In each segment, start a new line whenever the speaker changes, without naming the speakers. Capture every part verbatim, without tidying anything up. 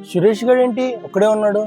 సురేష్ గారు ఏంటి ఒక్కడే ఉన్నాడు?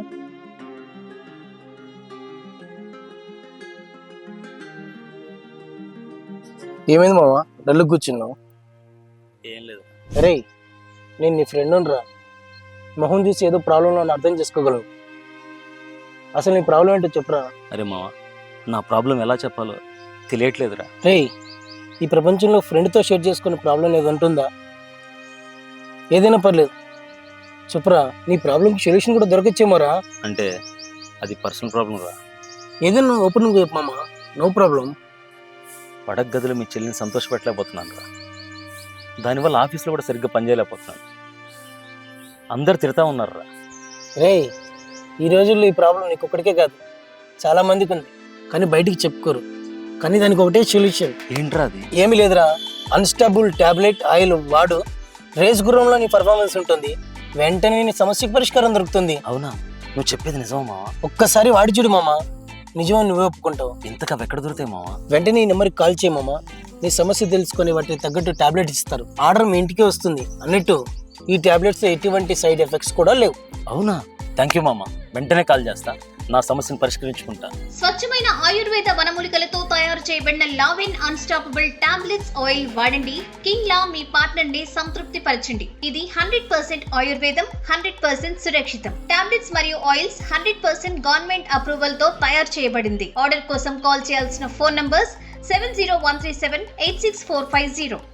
ఏమైంది మామ, డల్లు కూర్చున్నావు?
ఏం లేదు.
అరే, నేను నీ ఫ్రెండ్ రా. మొహం చూసి ఏదో ప్రాబ్లం అని అర్థం చేసుకోగలను. అసలు నీ ప్రాబ్లం ఏంటో చెప్పురా.
అరే మామ, నా ప్రాబ్లం ఎలా చెప్పాలో తెలియట్లేదురా.
రే, ఈ ప్రపంచంలో ఫ్రెండ్తో షేర్ చేసుకునే ప్రాబ్లం ఏది ఉంటుందా? ఏదైనా పర్లేదు చెప్పురా. నీ ప్రాబ్లంకి సొల్యూషన్ కూడా దొరకచ్చేమోరా.
అంటే అది పర్సనల్ ప్రాబ్లం రా.
ఏదైనా ఓపెన్ చెప్పు మామ, నో ప్రాబ్లం.
పడక గదిలో మీ చెల్లిని సంతోషపెట్టలేకపోతున్నాను రా. దానివల్ల ఆఫీస్లో కూడా సరిగ్గా పనిచేయలేకపోతున్నాను. అందరు తిడతా ఉన్నారు రా.
రే, ఈ రోజుల్లో ఈ ప్రాబ్లం నీకు ఒక్కడికే కాదు, చాలా మందికి ఉంది, కానీ బయటికి చెప్పుకోరు. కానీ దానికి ఒకటే సొల్యూషన్.
ఏంట్రా అది?
ఏమీ లేదురా, అన్స్టాబుల్ టాబ్లెట్ ఆయిల్ వాడు. రేస్ గుర్రంలో నీ పర్ఫార్మెన్స్ ఉంటుంది, వెంటనే నీ సమస్యకు పరిష్కారం దొరుకుతుంది.
అవునా? నువ్వు చెప్పేది నిజమా మామ?
ఒక్కసారి వాడి చూడు మామ, నిజమని నువ్వే ఒప్పుకుంటావు.
ఇంతగా ఎక్కడ దొరుకుతాయి మామ?
వెంటనే ఈ నెంబర్కి కాల్ చేయి మామ. నీ సమస్య తెలుసుకొని వాటికి తగ్గట్టు టాబ్లెట్ ఇస్తారు. ఆర్డర్ మీ ఇంటికే వస్తుంది. అన్నట్టు ఈ టాబ్లెట్స్ ఎటువంటి సైడ్ ఎఫెక్ట్స్ కూడా లేవు.
అవునా? థ్యాంక్ యూ మామ, వెంటనే కాల్ చేస్తా, నా సమస్యను పరిష్కరించుకుంటా.
స్వచ్ఛమైన ఆయుర్వేద వనమూలికలతో తయారు చేయబడిన లావెన్ అన్స్టాపబుల్ టాబ్లెట్స్ ఆయిల్ వాడండి. కింగ్ లా మీ పార్ట్నర్ ని సంతృప్తి పరచండి. ఇది హండ్రెడ్ పర్సెంట్ ఆయుర్వేదం, హండ్రెడ్ పర్సెంట్ సురక్షితం. టాబ్లెట్స్ మరియు oils hundred percent government approval తో తయారు చేయబడింది. ఆర్డర్ కోసం కాల్ చేయాల్సిన phone numbers seven zero one three seven eight six four five zero.